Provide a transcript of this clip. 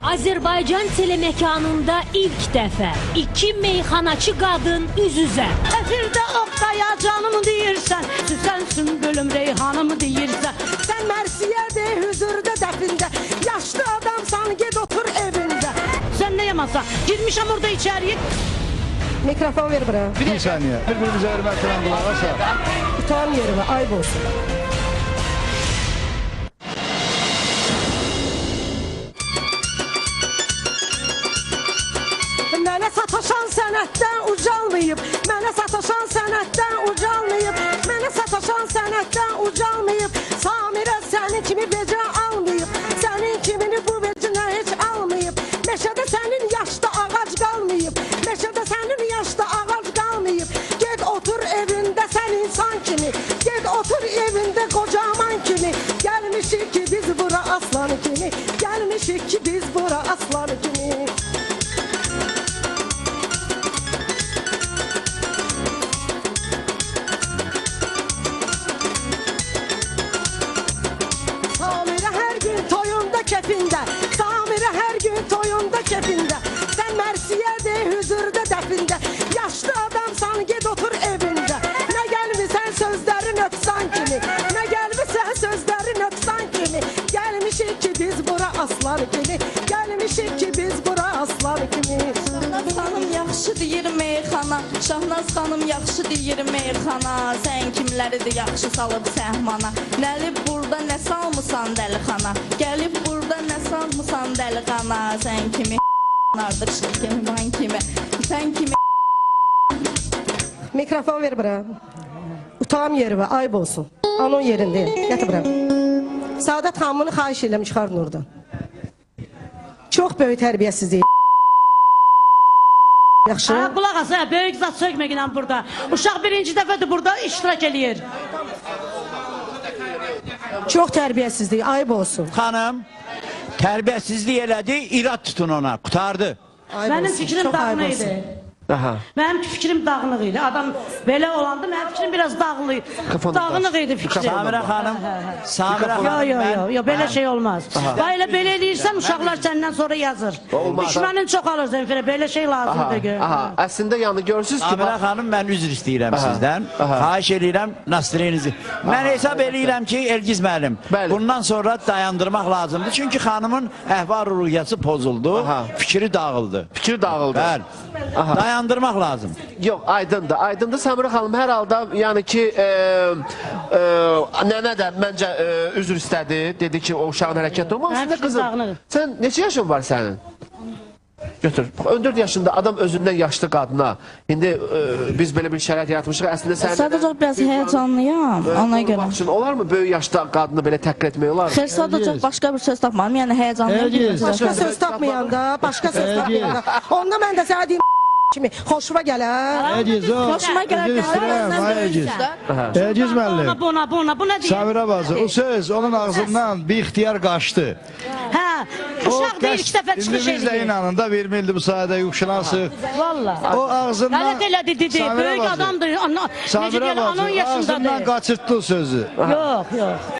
Azərbaycan telemekanında ilk dəfə iki meyxanaçı qadın üz-üzə. Efirdə Oktaya canımı deyirsən, Süsənsin bölüm reyhanımı deyirsən. Sən mərsiyədə, hüzurda, dəfində, yaşlı adamsan, ged otur evində. Sən nə yamasan? Girmişəm orada içəriyə. Mikrofon ver bura. Bir saniye. Birbirimize hürmetle kulak asa. Tutan yerime, ayıp olsun. Mənə sataşan sənətdən ucalmayıb, mənə sataşan sənətdən ucalmayıb, mənə sataşan sənətdən ucalmayıb. Samirə sənin kimi becə almayıb, sənin kimini bu vecinə heç almayıb. Meşədə sənin yaşda ağac qalmayıb, meşədə sənin yaşda ağac qalmayıb. Ged otur evində sən insan kimi, ged otur evində qocaman kimi. Gəlmişik ki biz bura aslan kimi, gəlmişik ki biz bura aslan kimi. Kefində, Samirə hər gün toyunda kefində. Sən mərsiyədə, hüzurda, dəfində, yaşlı adamsan, ged otur evində. Nə gəlmisən sözləri nöqsan kimi, nə gəlmisən sözləri nöqsan kimi. Gəlmişik ki biz bura aslan kimi, gəlmişik ki biz bura aslan kimi. Şahnaz xanım yaxşı deyir meyxana, Şahnaz xanım yaxşı deyir meyxana. Sən kimləridir yaxşı salıb səhmana, Nəlib burada nə salmısan dəlixana, gəlib burada nə salmısan dəlixana. Sən kimi artıq şirkəman kimi, sən kimi. Mikrofon ver bura. Utam yerime, ayıp olsun. Onun yerindeyim. Yatı bura. Saadet xanımını xahiş edirəm çıxardın oradan. Çox böyük tərbiyəsizlik. Yaxşı. Qulaq as, böyük zat sökməklə burada. Uşaq birinci dəfədir burada iştirak eləyir. Çox tərbiyəsizlik, ayıp olsun. Xanım, tərbiyəsizlik elədi, irad tutun ona, qutardı. Ayıp Mənim olsun, fikrim çox ayıp dağınıq olsun. idi. Aha. Mənim fikrim dağınıq idi. Adam belə olanda mənim fikrim biraz dağınıq idi fikrim. Samirə xanım, Samirə Yo, xanım, yo, yo, belə şey olmaz. Bayla belə eləyirsən, uşaqlar səndən sonra yazır. Düşmənin çox alır zənfirə, belə şey lazımdır ki. Aha, əslində yəni görürsünüz ki, Samirə xanım, mən üzr istəyirəm sizdən. Xahiş edirəm, nasirinizi. Mən hesab edirəm ki, Elgiz müəllim, bundan sonra dayandırmaq lazımdır. Çünki xanımın əhval-ruhiyyəsi pozuldu, fikri dağıldı. fikir dağıldı. Bəli, dayandırmaq lazım. Yox, aydındır. Aydındır Samirə xanım, hər halda yəni ki, nənə də məncə üzr istədi. Dedi ki, o uşağın hərəkəti olmaz. Mənim fikrim Qızım, dağınıq. sən neçə yaşın var sənin? Götür. 14 yaşında adam özündən yaşlı qadına. İndi biz belə bir şərait yaratmışıq. Əslində sən... Sadəcə biraz həyəcanlıyam, ona görə. Üçün, olarmı böyük yaşlı qadını belə təqdir etmək olar? Xeyr, sadəcə başqa bir söz tapmadım, yəni həyəcanlıyam. Başka söz tapmayanda, başka söz tapmayanda. Onda mən də sənə deyim kimi xoşuma gələr. Elgiz o. Xoşuma gələr, Elgiz. Elgiz müəllim. Bu nə deyir? Samirə bacı, o söz onun ağzından bir ixtiyar qaçdı. Hə, uşaq da ilk dəfə çıxış İndi biz də edir. inanın da vermildi bu sayədə yuxşılansıq. Valla. O ağzından... Qələt elədi, dedi, Samirə böyük bacı, adamdır, necə Samirə deyil, bacı, onun yaşındadır. ağzından qaçırtdı o sözü. Yox, yox.